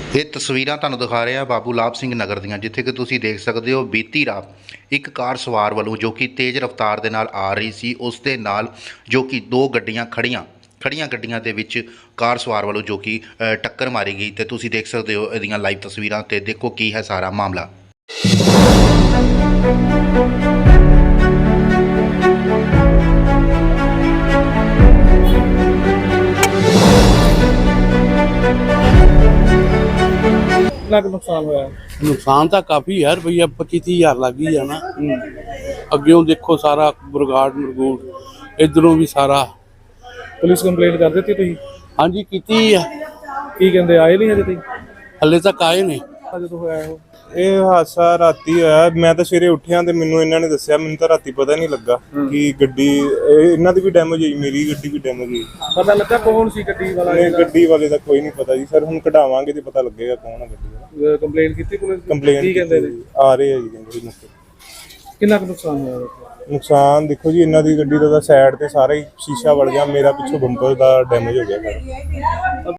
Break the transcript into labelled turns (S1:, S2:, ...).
S1: ਇਹ ਤਸਵੀਰਾਂ ਤੁਹਾਨੂੰ ਦਿਖਾ ਰਿਹਾ ਬਾਬੂ ਲਾਭ ਸਿੰਘ ਨਗਰ ਦੀਆਂ, ਜਿੱਥੇ ਕਿ ਤੁਸੀਂ ਦੇਖ ਸਕਦੇ ਹੋ ਬੀਤੀ ਰਾਤ ਇੱਕ ਕਾਰ ਸਵਾਰ ਵੱਲੋਂ ਜੋ ਕਿ ਤੇਜ਼ ਰਫ਼ਤਾਰ ਦੇ ਨਾਲ ਆ ਰਹੀ ਸੀ, ਉਸ ਦੇ ਨਾਲ ਜੋ ਕਿ ਦੋ ਗੱਡੀਆਂ ਖੜੀਆਂ ਗੱਡੀਆਂ ਦੇ ਵਿੱਚ ਕਾਰ ਸਵਾਰ ਵੱਲੋਂ ਜੋ ਕਿ ਟੱਕਰ ਮਾਰੀ ਗਈ। ਤੇ ਤੁਸੀਂ ਦੇਖ ਸਕਦੇ ਹੋ ਇਹਦੀਆਂ ਲਾਈਵ ਤਸਵੀਰਾਂ ਤੇ ਦੇਖੋ ਕੀ ਹੈ ਸਾਰਾ ਮਾਮਲਾ।
S2: कितना नुकसान होया?
S3: नुकसान तो काफ़ी है, रुपया 25-30 हज़ार लग ही जाना। अग्यों देखो सारा बरगाड़ इधरों भी सारा।
S2: पुलिस कंप्लेंट कर दी थी?
S3: हाँ जी की है।
S2: की कहते आए नहीं अजे तक?
S3: हले तक आए नहीं।
S2: जो होया
S4: ਇਹ ਹਾਦਸਾ ਰਾਤੀ ਹੋਇਆ। ਮੈਂ ਤਾਂ ਸਵੇਰੇ ਉੱਠਿਆ ਤੇ ਮੈਨੂੰ ਇਹਨਾਂ ਨੇ ਦੱਸਿਆ, ਮੈਨੂੰ ਤਾਂ ਰਾਤੀ ਪਤਾ ਨਹੀਂ ਲੱਗਾ ਕਿ ਗੱਡੀ ਇਹਨਾਂ ਦੀ ਵੀ ਡੈਮੇਜ ਹੋਈ, ਮੇਰੀ ਗੱਡੀ ਵੀ ਡੈਮੇਜ ਹੋਈ।
S2: पता लगा कौन सी गड्डी वाला?
S4: ਨਹੀਂ ਗੱਡੀ ਵਾਲੇ ਦਾ ਕੋਈ ਨਹੀਂ ਪਤਾ ਜੀ ਸਰ, ਹੁਣ ਕਢਾਵਾਂਗੇ ਤੇ ਪਤਾ ਲੱਗੇਗਾ ਕੌਣ ਹੈ ਗੱਡੀ ਵਾਲਾ।
S2: कंप्लेंट की थी पुलिस?
S4: ਕੰਪਲੇਂਟ
S2: की कहते
S4: ਆ ਰਹੇ ਆ ਜੀ ਕਹਿੰਦੇ ਮੌਕੇ।
S2: कितना नुकसान होया?
S4: ਨੁਕਸਾਨ ਦੇਖੋ ਜੀ, ਇਹਨਾਂ ਦੀ ਗੱਡੀ ਦਾ ਸਾਈਡ ਤੇ ਸਾਰਾ ਹੀ ਸ਼ੀਸ਼ਾ ਵੜ ਗਿਆ, ਮੇਰਾ ਪਿੱਛੋਂ ਬੰਪਰ ਦਾ ਡੈਮੇਜ ਹੋ ਗਿਆ ਸਾਰਾ।